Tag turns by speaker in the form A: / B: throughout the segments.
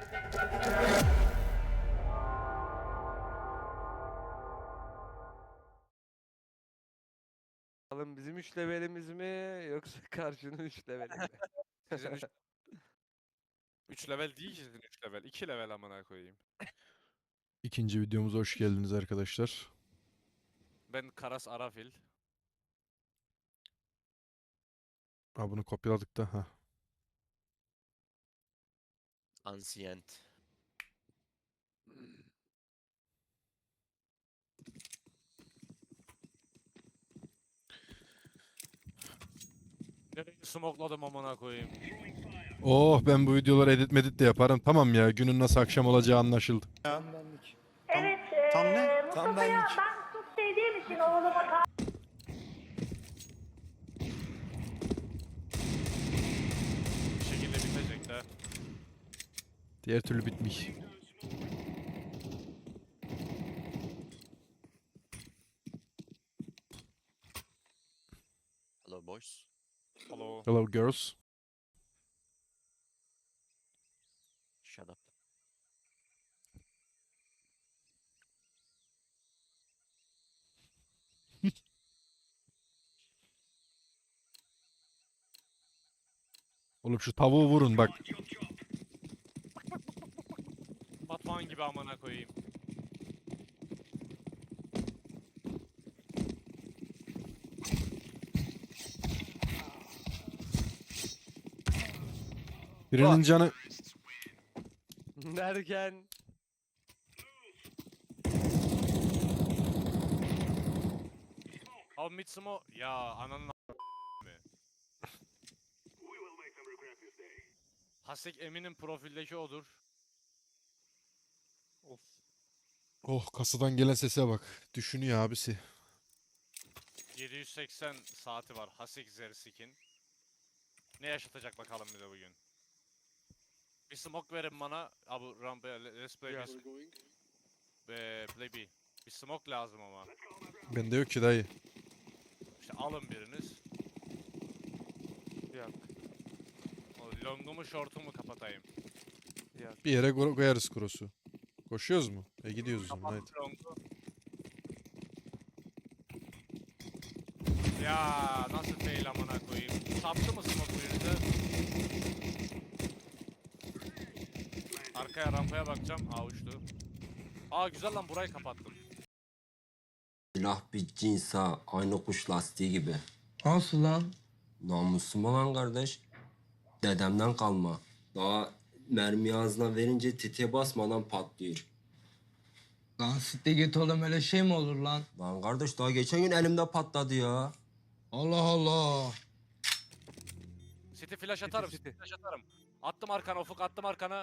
A: Bakalım bizim 3 levelimiz mi yoksa karşının 3 leveli mi?
B: Sizin 3 level değil ki sizin 3 level. 2 level amına koyayım.
C: İkinci videomuza hoş geldiniz arkadaşlar.
B: Ben Karas Arafil.
C: Ha, bunu kopyaladık da. Ha.
D: Ancient.
B: Nereyi smokladım amına koyayım.
C: Oh, ben bu videoları edit medit de yaparım. Tamam ya, günün nasıl akşam olacağı anlaşıldı.
E: Evet,
F: tam ne?
E: Mustafa'ya
F: Tam benlik.
E: ben çok sevdiğim için oğluma
B: Bir şekilde bitecek de.
C: Diğer türlü bitmiş.
D: Hello boys.
B: Hello.
C: Hello girls.
D: Shut up.
C: Oğlum şu tavuğu vurun bak.
B: Batman gibi amına koyayım.
C: Birinin canı...
A: Derken
B: Abi Mitsumo ya ananın mi? Hasek Emin'in profildeki odur. Of.
C: Oh, kasadan gelen sese bak. Düşünüyor abisi.
B: 780 saati var Hasek Zersik'in. Ne yaşatacak bakalım bize bugün. Bir smoke verin bana. Abi ramp let's play
A: Yeah.
B: this. Play B. Bir smoke lazım ama.
C: Bende yok ki dayı.
B: İşte alın biriniz.
A: yok
B: O longu mu short'u mu kapatayım?
A: yok.
C: Bir yere koyarız cross'u. Koşuyoruz mu? Gidiyoruz o zaman haydi.
B: Kapat longu. Ya nasıl fail amına koyayım. Sattı mı smoke birinize? Arkaya rampaya bakacağım. Aa uçtu. Aa güzel lan burayı kapattım.
G: Silah bir cins ha. Aynı kuş lastiği gibi.
F: Nasıl lan?
G: Namusum olan kardeş. Dedemden kalma. Daha mermi ağzına verince tetiğe basmadan patlıyor.
F: Lan sitte git oğlum, öyle şey mi olur lan?
G: Lan kardeş daha geçen gün elimde patladı ya.
F: Allah Allah.
B: City flash atarım.
A: City.
B: Flash atarım. Attım arkana Ufuk attım arkana.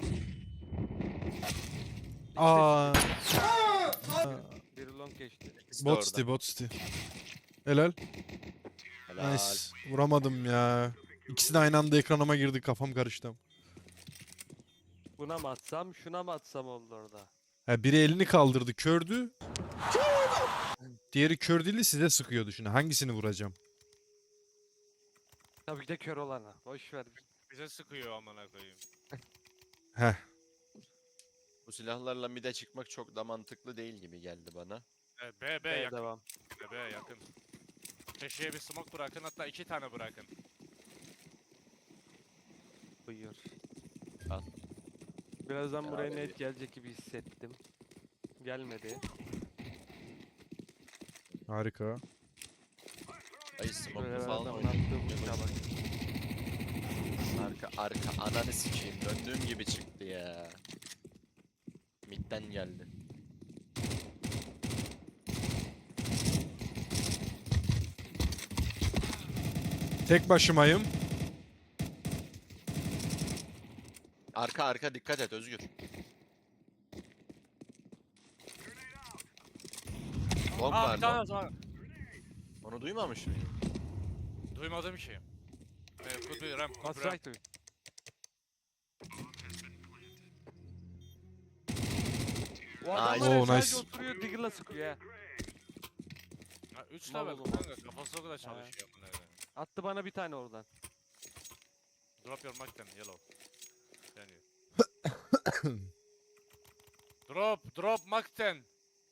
C: Aa,
A: Bir long geçti.
D: İkisi de
C: bot
D: orada.
C: city, bot city. Helal.
D: Helal.
C: Nice. Vuramadım ya. İkisi de aynı anda ekranıma girdi, kafam karıştı.
A: Buna mı atsam şuna mı atsam oldu orada.
C: Ha, biri elini kaldırdı, kördü. Diğeri kör değil, size sıkıyordu şimdi. Hangisini vuracağım?
A: Tabii ki de kör olana. Boş ver.
B: Bize sıkıyor amına koyayım.
C: Heh.
D: Bu silahlarla mid'e çıkmak çok da mantıklı değil gibi geldi bana.
B: B
A: B
B: yakın.
A: devam.
B: B yakın. Köşeye bir smoke bırakın hatta 2 tane bırakın.
A: Buyur.
D: Al.
A: Birazdan buraya
D: abi.
A: net gelecek gibi hissettim. Gelmedi.
C: Harika.
D: Ay smoke'lu
A: Böyle
D: falan
A: adamın
D: oynayayım.
A: attığı vuruşa bak.
D: Arka ananı sikeyim. Döndüğüm gibi çıktı ya. Mid'den geldi.
C: Tek başımayım.
D: Arka dikkat et Özgür. Long
B: Aa
D: var
B: bir tane
D: long.
B: var.
D: Onu duymamış mıydın?
B: Duymadığım şey. Could be ramp. Could
A: What's
B: be ramp.
A: right to? O adam
D: Nice.
A: var ya
C: Oo,
A: sadece
C: nice.
A: oturuyor Diggle'la sıkıyor ya.
B: 3
A: Mal
B: level
A: oğlum.
B: kanka kafası o kadar çalışıyor amına koyayım.
A: Attı bana bir tane oradan.
B: Drop your mic then yellow. Yani. Drop Makten.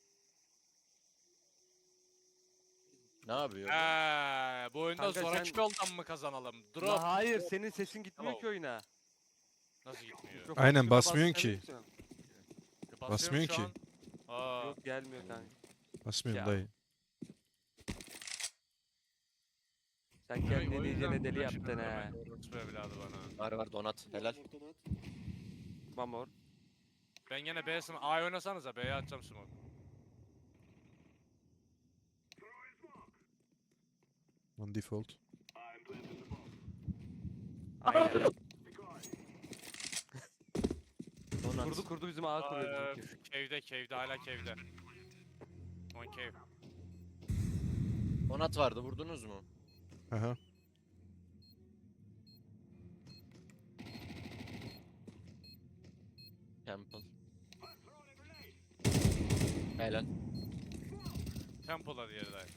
D: Ne yapıyor? bu?
B: Bu oyunda
A: Kanka
B: zoraki
A: sen-
B: yoldan mı kazanalım?
A: La
B: Drop.
A: hayır senin sesin gitmiyor
B: Hello.
A: ki oyuna.
B: Nasıl gitmiyor?
A: Mikrofon
C: Aynen,
A: tuşuna
C: basmıyorsun ki.
A: basamıyorsun.
B: Basıyorum
C: Basmıyor
B: şu
C: ki.
B: an. Aa,
A: Yok gelmiyor kanka.
C: Basmıyorum
A: Ya.
C: dayı.
A: Sen kendini
B: o yüzden
A: iyicene deli
B: uğraşıyorum
A: yaptın
B: hemen,
A: he.
B: orospu evladı bana.
D: Var donat. Helal.
A: Mamor.
B: Ben gene B'ye A'ya oynasanıza B'ye atacağım smoke.
C: On default.
A: Aynen.
D: Donat.
A: Kurdu bizim ağa kuruyor bizimki.
B: Cave'de hala cave'de. On cave.
D: Donat vardı vurdunuz mu?
C: Aha.
D: Temple. Helal.
B: Temple'da diğeri de.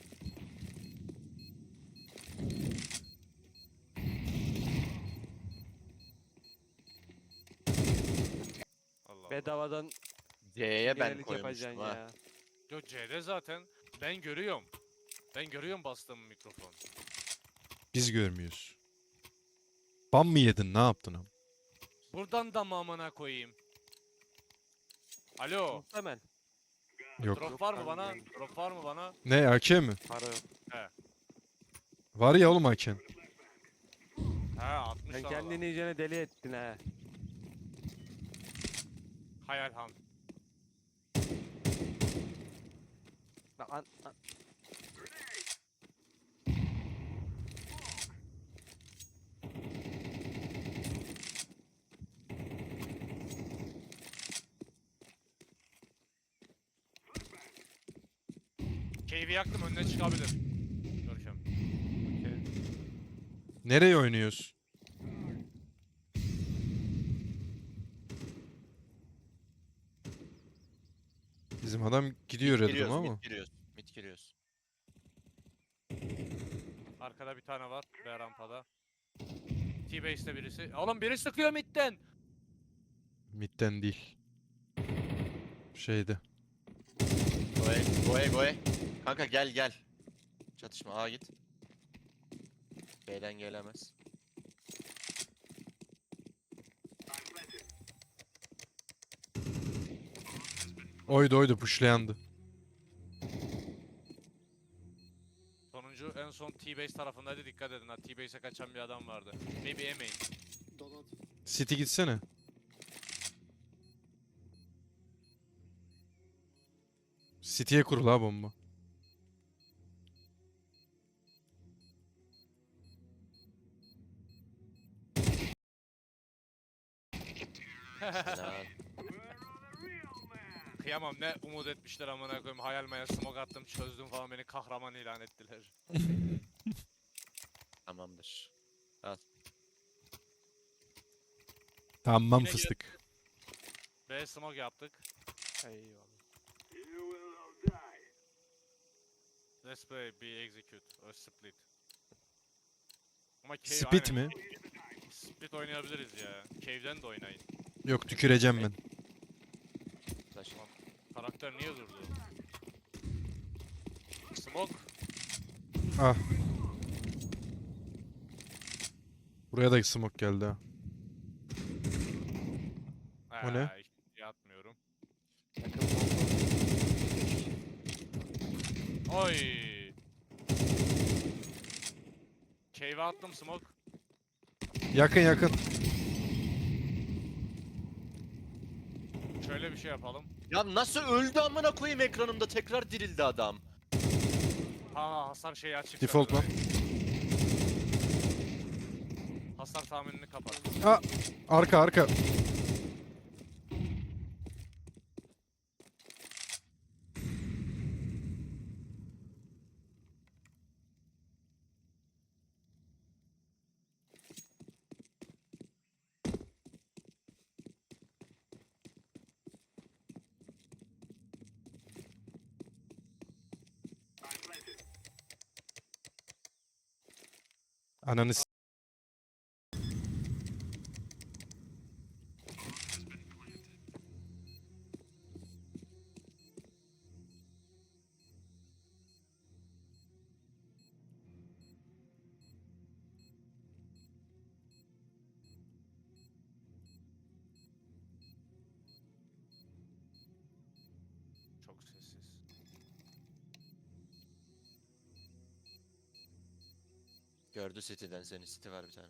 B: Allah Allah.
A: Bedavadan
D: C'ye ben
A: yenilik yapacaksın
D: koymuştum ha.
A: ya.
B: Yo C'de zaten ben görüyorum. Ben görüyorum bastığım mikrofon.
C: Biz görmüyoruz. Ban mı yedin? Ne yaptın am?
B: Buradan da mı amına koyayım? Alo,
A: Muhtemel.
C: Yok.
B: drop var mı
A: ben
B: bana?
A: değilim.
B: Drop var mı bana?
C: Ne AK mi?
A: Para yok.
C: Var ya oğlum AK'n.
B: He 60
A: Sen
B: tane
A: kendini iyicene deli ettin he.
B: Hayal han.
A: Bak an.
B: Cave'i yaktım önüne çıkabilir. Görkem.
C: Nereye oynuyoruz? Bizim adam gidiyor dedim
D: Giriyoruz,
C: ama.
D: mid giriyoruz. Mid giriyoruz.
B: Arkada bir tane var. B rampada. T-base'de birisi. Oğlum biri sıkıyor midden.
C: Midden değil. Şeyde.
D: Goe. Kanka gel. Çatışma A git. B'den gelemez.
C: Oydu pushlayandı.
B: Sonuncu en son T-base tarafındaydı. Dikkat edin ha. T-base'e kaçan bir adam vardı. Maybe emeyin.
C: City gitsene. City'ye kurul ha bomba.
D: Helal.
B: Kıyamam ne umut etmişler amına koyayım. Hayal meyal smoke attım çözdüm falan beni kahraman ilan ettiler.
D: Tamamdır.
C: Tamam
B: Yine
C: fıstık.
B: B smoke yaptık. Eyvallah. Let's play B execute or split. Ama cave
C: Spit
B: aynen.
C: mi?
B: Split oynayabiliriz ya. Cave'den de oynayın.
C: Yok tüküreceğim ben.
D: Taş.
B: Karakter niye durdu? Smoke.
C: Ah. Buraya da smoke geldi ha. O ne?
B: Yatmıyorum.
A: Yakın bomba.
B: Oy. Cave'e attım smoke.
C: Yakın.
B: Şöyle bir şey yapalım.
D: Ya nasıl öldü amına koyayım ekranımda tekrar dirildi adam.
B: Ha hasar şeyi açık.
C: Default
B: zaten.
C: lan.
B: Hasar tahminini kapat.
C: Arka. Ananı s-
B: Çok sessiz.
D: Gördü City'den seni. City var bir tane.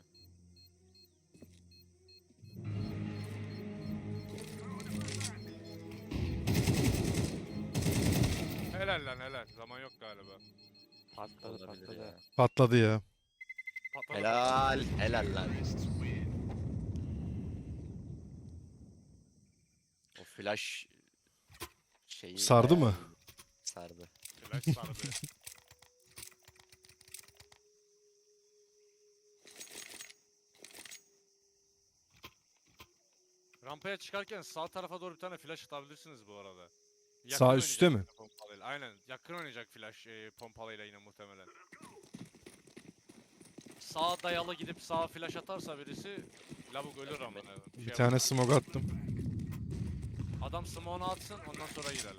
B: Helal lan helal. Zaman yok galiba.
A: Patladı
D: Olabilir
A: patladı.
D: ya.
C: Patladı ya.
B: Patladı.
D: Helal. Helal lan. O flash şeyi
C: Sardı
D: bayağı
C: mı?
D: iyi. Sardı.
B: Flash sardı. Rampaya çıkarken sağ tarafa doğru bir tane flash atabilirsiniz bu arada.
C: Sağ
B: oynayacak
C: üstte mi?
B: yine pompalıyla. Aynen. Yakın oynayacak flash pompalıyla yine muhtemelen. Sağa dayalı gidip sağa flash atarsa birisi lavuk ölür ama.
C: Bir tane smoke attım.
B: Adam smoke'unu atsın ondan sonra girelim.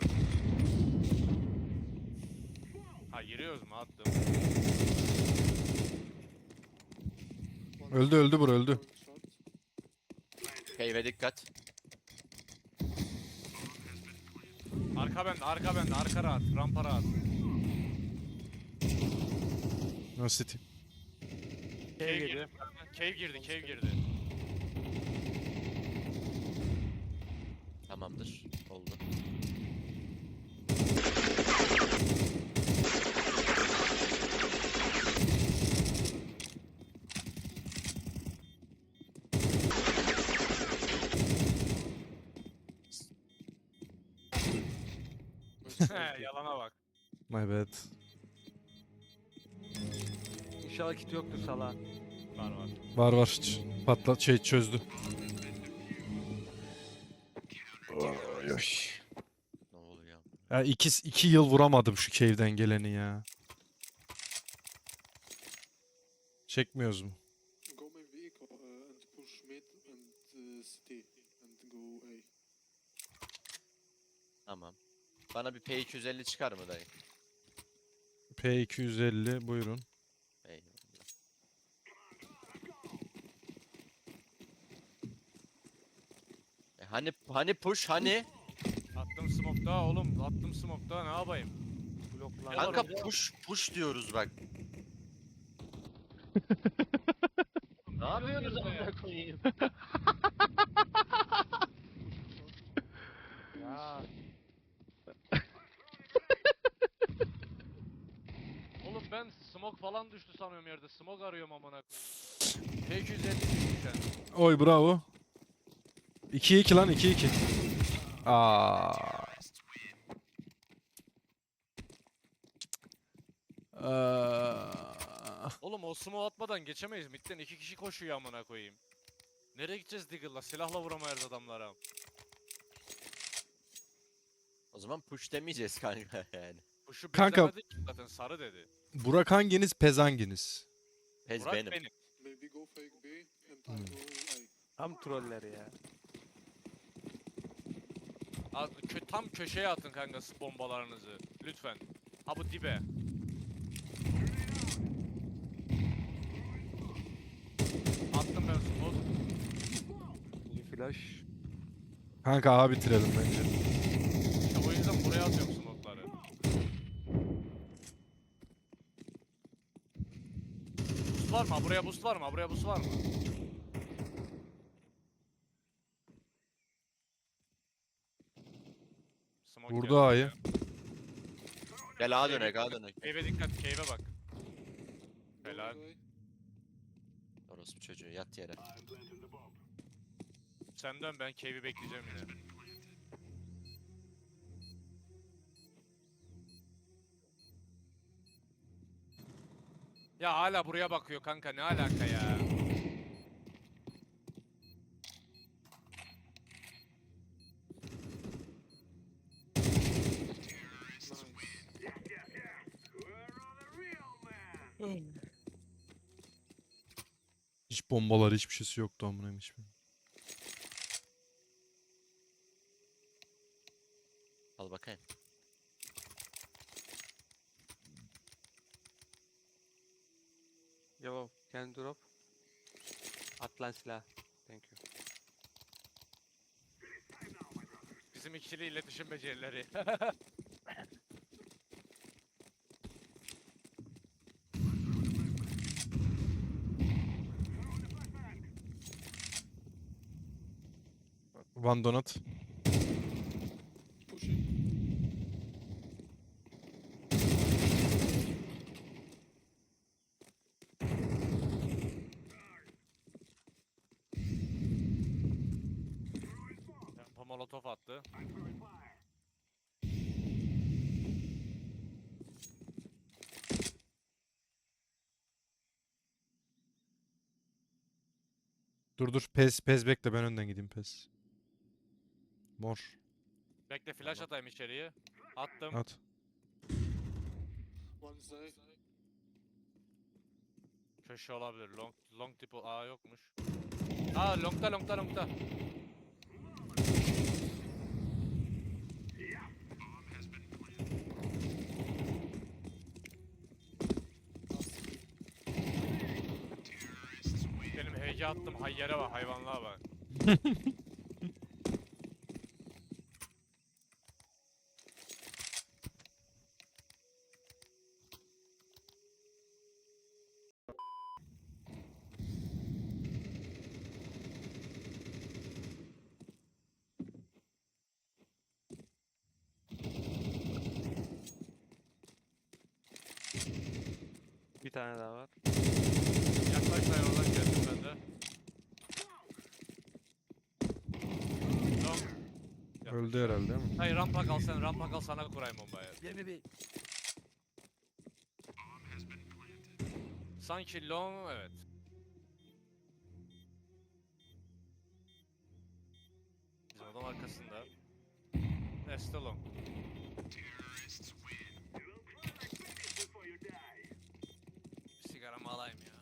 B: Ha giriyoruz mu? Attım.
C: Öldü öldü bura öldü.
D: Cave'e dikkat.
B: Arka bende, arka bende, arka rahat, rampa rahat.
C: No City.
B: Cave girdi. Cave girdi, cave girdi.
D: Tamamdır. Oldu.
B: He, yalana bak.
C: My bad.
A: İnşallah kit yoktur sala.
B: Var var.
C: Var var. Patlat şey çözdü.
D: Ne oluyor?
C: Ya iki yıl vuramadım şu cave'den geleni ya. Çekmiyoruz mu?
H: Go maybe eco and push mid and city and go A.
D: Tamam. Bana bir P250 çıkar mı dayı?
C: P250 buyurun.
D: Eyvallah. Hani push hani?
B: Attım smoke daha oğlum, attım smoke daha ne yapayım?
A: Bloklar.
B: Ya-
D: Kanka push diyoruz bak. Ne yapıyorsunuz amına koyayım?
B: Ya. Oğlum ben smoke falan düştü sanıyorum yerde. Smoke arıyorum amına koyayım. P250 düşmüş yani.
C: Oy bravo. 2-2 lan 2-2. Aa.
B: Oğlum o smoke atmadan geçemeyiz. Midden 2 kişi koşuyor amına koyayım. Nereye gideceğiz Diggle'la? Silahla vuramayız adamlara.
D: O zaman push demeyeceğiz kanka yani.
B: Bu şu
C: Kanka-
B: beklemedi ki zaten sarı dedi.
C: Burak hanginiz pez hanginiz?
D: Pez
B: Burak
D: benim.
B: benim.
H: Maybe go fake B and I go A.
A: Tam troller ya.
B: Tam köşeye atın kanka bombalarınızı. Lütfen. Ha bu dibe. Attım ben smoke.
A: İyi flash.
C: Kanka A bitirelim bence.
B: İşte o yüzden buraya atıyorum smoke'ları. Boost var mı? Ha, buraya boost var mı? Ha, buraya boost var mı? Smoke
C: Vurdu
B: geldi
C: A'yı.
B: ya.
D: Gel A dönek A dönek.
B: Cave'e dikkat, cave'e bak.
H: Go
B: Helal.
H: A.
D: Orospu çocuğu yat yere.
B: Sen dön ben cave'i bekleyeceğim yine. Ya hala buraya bakıyor kanka ne alaka ya?
C: Hiç bombalar hiçbir şeysi yoktu amına hiçbir.
D: Al bakayım.
A: Yellow. Can you drop? At lan silah. Thank you.
B: Bizim Çevrim ikili iletişim becerileri.
C: One donut.
H: Pushing.
B: Rampa molotof attı.
C: Dur. Pez bekle, ben önden gideyim pez. Mor.
B: Bekle flash atayım içeriye. Attım.
C: At.
H: One side.
B: Köşe olabilir. Long tip yokmuş. Aa longta. Benim HG attım hayyere bak, hayvanlığa bak.
A: Bir tane daha var.
B: Yaklaş dayı, oradan geldim ben de. Long.
C: Öldü herhalde değil mi?
B: Hayır rampa kal sen, rampa kal, sana kurayım bombayı. Sanki long, evet. Bizim adam arkasında. Neste long. Bir sigaramı alayım ya.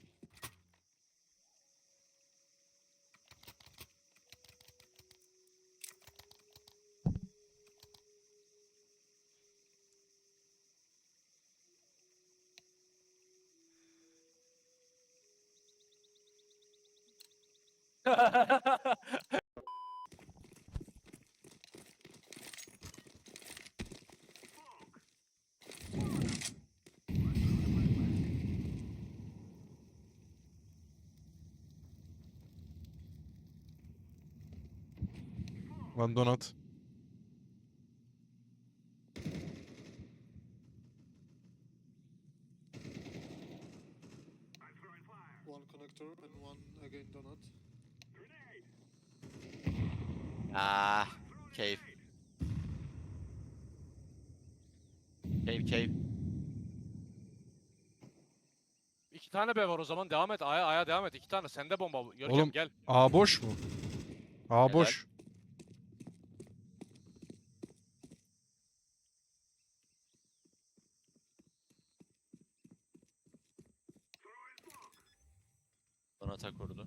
C: One donut.
H: One connector and one again donut.
D: Ah, cave. Cave.
B: İki tane B var o zaman, devam et. Aya devam et. İki tane. Sende bomba. Görkem
C: Oğlum,
B: gel.
C: A boş mu? A
D: Helal.
C: boş.
D: Donata kurdu.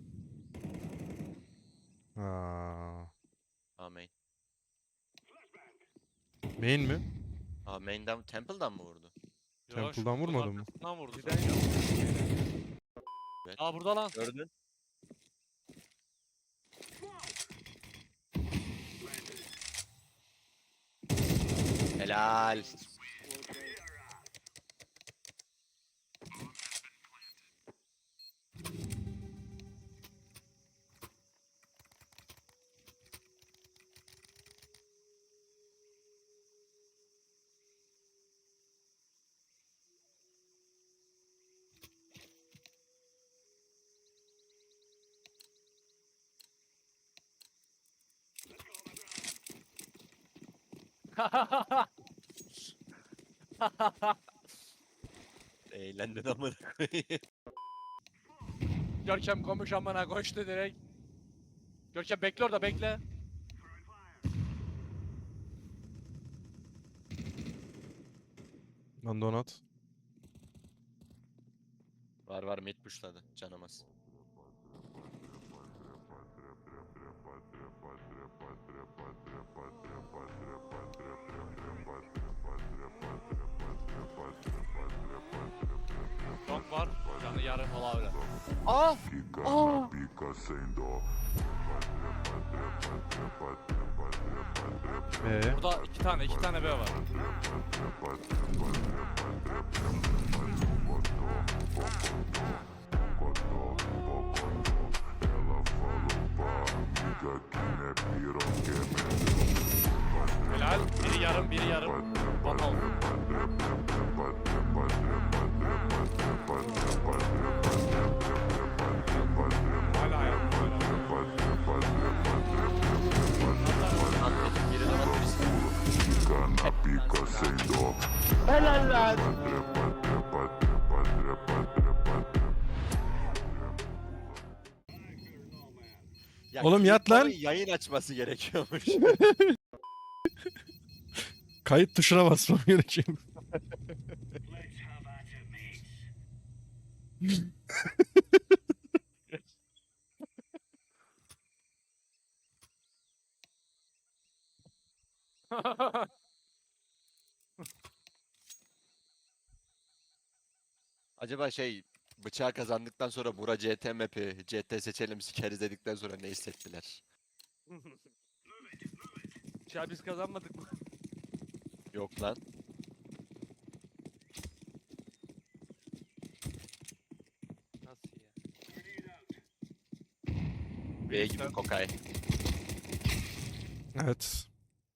C: Aa.
D: Main.
C: Main mi?
D: Main'den, Temple'dan mı vurdu?
B: Yo,
C: Temple'dan
B: şu kutunun
C: vurmadı mı?
B: arkasından vurdu.
A: Giden
B: sanki.
A: yok.
D: Evet.
B: Aa burada lan.
D: Gördün. Helal.
H: Well played.
D: Eğlendin amına koyayım.
B: Görkem komuş amına koştu direkt. Görkem bekle orada, bekle.
C: One donut.
D: Var mid pushladı. Canamaz.
B: Long var. Canı yarım olabilir.
I: Pica sem dó.
B: Burada iki tane B var. Helal. Biri yarım, biri yarım. Bakalım. Hala ayakta.
D: Biri de var birisi. Ya
C: Oğlum yat lan.
D: Kingdom'un yayın açması gerekiyormuş.
C: Kayıt tuşuna basmam gerekiyor.
D: Acaba şey bıçağı kazandıktan sonra Bura CT map'i CT seçelim sikeriz dedikten sonra ne hissettiler?
A: Ya biz kazanmadık mı?
D: Yok lan.
A: Nasıl ya?
D: B gibi kokay.
C: Evet.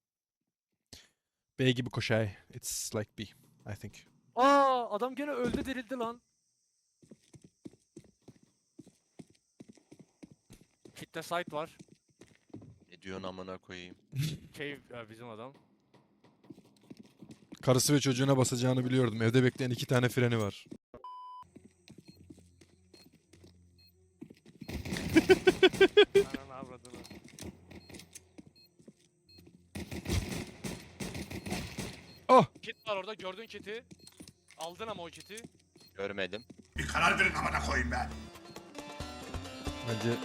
C: B gibi koşay. It's like B, I think.
B: Aa, adam gene öldü dirildi lan. Kitle site var.
D: Ne diyorsun amına koyayım?
B: Cave bizim adam.
C: Karısı ve çocuğuna basacağını biliyordum. Evde bekleyen 2 tane freni var.
A: Ananı avradını.
B: Kit var orada, gördün kiti. Aldın ama o kiti.
D: Görmedim.
C: Bence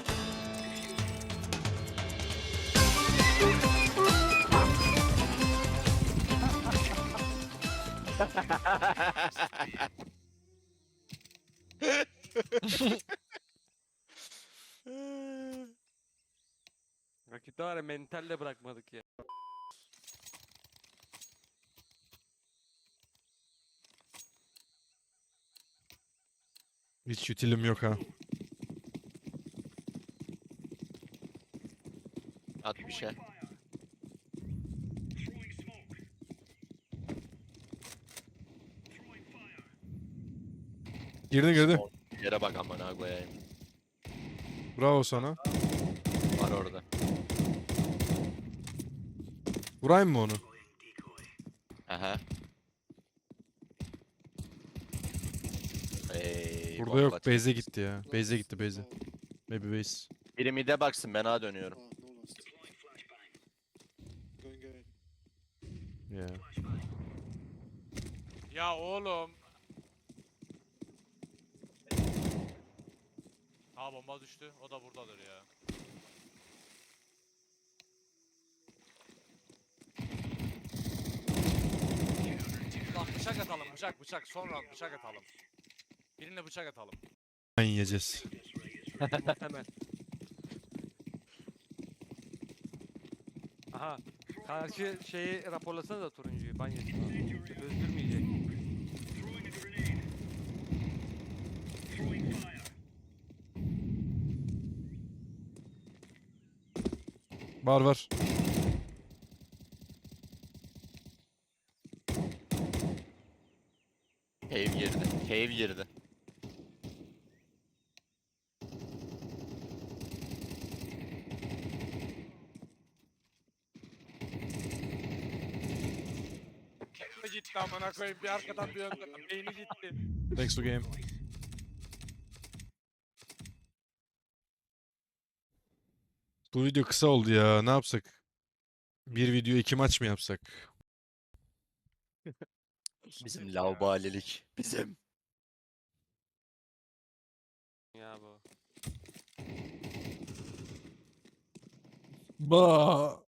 A: Rakipte var ya mentalle bırakmadık ya.
C: hiç utilim yok ha.
D: At bir şey.
C: Girdi.
D: Yere bak amına koyayım.
C: Bravo sana.
D: Var orada.
C: Vurayım mı onu?
D: Aha.
C: Burada
D: bomba
C: yok.
D: atıyor.
C: Base'e gitti ya. Base'e gitti base'e. Maybe base.
D: Biri mid'e baksın ben A dönüyorum.
H: No last. Going A.
C: Yeah.
B: Ya oğlum. Ha, bomba düştü. O da buradadır ya. Bak bıçak atalım, bıçak. Sonra bıçak atalım. Birine bıçak atalım.
C: Ben yiyeceğiz.
A: Hemen. Aha. Karşı şeyi raporlasana da turuncuyu. Ban yesin. Öldürmeyecek.
C: Var.
D: Cave girdi. Cave girdi.
B: Beyni gitti amına koyayım. Bir arkadan bir önden. Beyni gitti.
C: Thanks for game. Bu video kısa oldu ya. Ne yapsak? Bir video 2 maç mı yapsak?
D: Bizim laubalilik. Bizim.
A: Ya bu.
C: Ba.